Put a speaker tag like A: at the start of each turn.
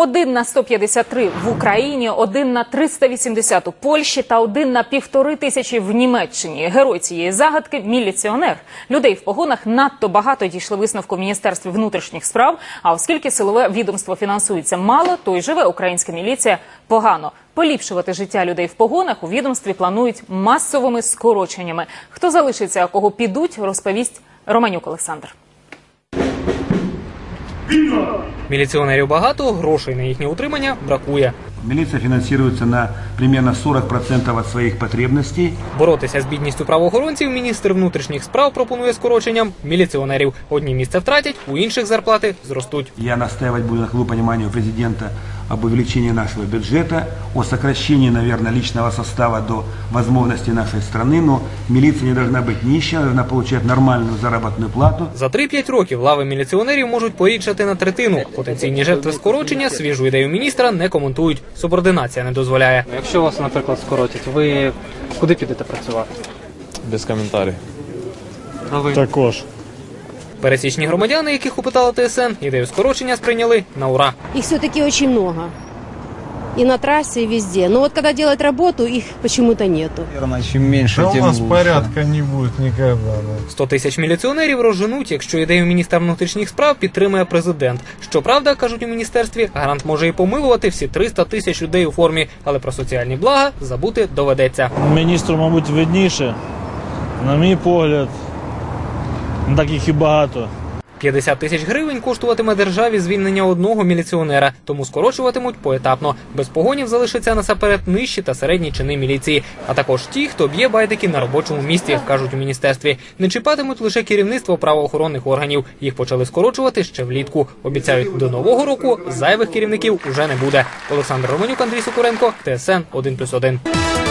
A: 1 на 153 в Україні, 1 на 380 у Польщі та 1 на 1500 в Німеччині. Герой цієї загадки – міліціонер. Людей в погонах надто багато, дійшли висновку в Міністерстві внутрішніх справ. А оскільки силове відомство фінансується мало, то й живе українська міліція погано. Поліпшувати життя людей в погонах у відомстві планують масовими скороченнями. Хто залишиться, а кого підуть, розповість Романюк Олександр.
B: Міліціонерів багато, грошей на їхнє утримання бракує.
C: Милиция финансируется на примерно 40% от своих потребностей.
B: Боротися з бідністю правоохоронців міністр внутрішніх справ пропонує скороченням міліціонерів. Одні місця втратять, у інших зарплати зростуть.
C: Я настаивать буду на пониманию президента об увеличении нашего бюджета, о сокращении, наверное, личного состава до возможностей нашей страны, но милиция не должна быть нищей, она должна получать нормальную заработную плату.
B: За 3-5 років лави міліціонерів можуть порідшати на третину. Потенційні жертви скорочення свіжу ідею міністра не коментують. Субординація не дозволяє.
D: Якщо вас, наприклад, скоротять, ви куди підете працювати?
E: Без коментарів.
D: А ви?
E: Також.
B: Пересічні громадяни, яких опитала ТСН, ідею скорочення сприйняли на ура.
F: Их все-таки очень много. И на трассе, и везде. Но вот когда делать работу, их почему-то нету.
G: Наверное, чем меньше,
E: Да
G: тем
E: у нас
G: лучше.
E: порядка не будет никогда.
B: 100 тисяч міліціонерів розженуть, якщо ідею міністра внутрішніх справ підтримує президент. Щоправда, кажуть у міністерстві, гарант може і помилувати всі 300 тисяч людей у формі, але про соціальні блага забути доведеться.
H: Міністру, мабуть, видніше. На мій погляд, не так їх і багато.
B: 50 тисяч гривень коштуватиме державі звільнення одного міліціонера, тому скорочуватимуть поетапно. Без погонів залишаться насамперед нижчі та середні чини міліції, а також ті, хто б'є байдики на робочому місці, кажуть у міністерстві. Не чіпатимуть лише керівництво правоохоронних органів. Їх почали скорочувати ще влітку. Обіцяють, до нового року зайвих керівників уже не буде. Олександр Романюк, Андрій Сокуренко, ТСН 1+1.